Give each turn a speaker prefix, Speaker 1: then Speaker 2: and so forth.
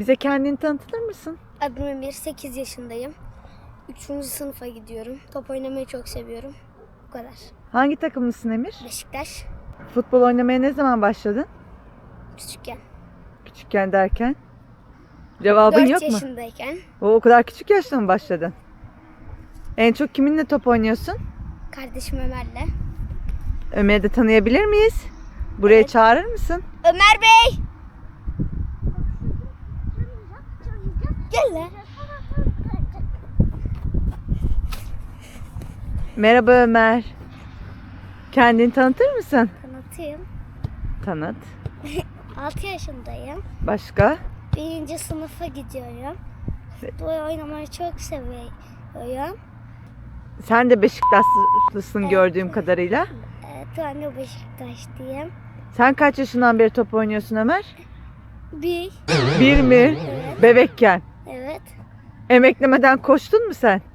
Speaker 1: Bize kendini tanıtır mısın?
Speaker 2: Adım Emir, 8 yaşındayım. 3. sınıfa gidiyorum. Top oynamayı çok seviyorum. Bu kadar.
Speaker 1: Hangi takımlısın Emir?
Speaker 2: Beşiktaş,
Speaker 1: Futbol oynamaya ne zaman başladın?
Speaker 2: küçükken.
Speaker 1: Küçükken derken? Cevabın
Speaker 2: 4
Speaker 1: yok mu?
Speaker 2: yaşındayken
Speaker 1: O kadar küçük yaşta mı başladın? En çok kiminle top oynuyorsun?
Speaker 2: kardeşim Ömer'le.
Speaker 1: Ömer'i de tanıyabilir miyiz? Buraya
Speaker 2: Evet.
Speaker 1: çağırır mısın?
Speaker 2: Ömer Bey! Gel lan.
Speaker 1: Merhaba Ömer. Kendini tanıtır mısın?
Speaker 2: Tanıtayım.
Speaker 1: Tanıt.
Speaker 2: 6 yaşındayım.
Speaker 1: Başka?
Speaker 2: 1. sınıfa gidiyorum. Futbol oynamayı çok seviyorum.
Speaker 1: Sen de Beşiktaşlısın
Speaker 2: Evet.
Speaker 1: gördüğüm kadarıyla.
Speaker 2: Evet, ben de Beşiktaşlıyım.
Speaker 1: Sen kaç yaşından beri top oynuyorsun Ömer?
Speaker 2: Bir.
Speaker 1: Bir mi?
Speaker 2: Evet.
Speaker 1: Bebekken.
Speaker 2: Evet.
Speaker 1: Emeklemeden koştun mu sen?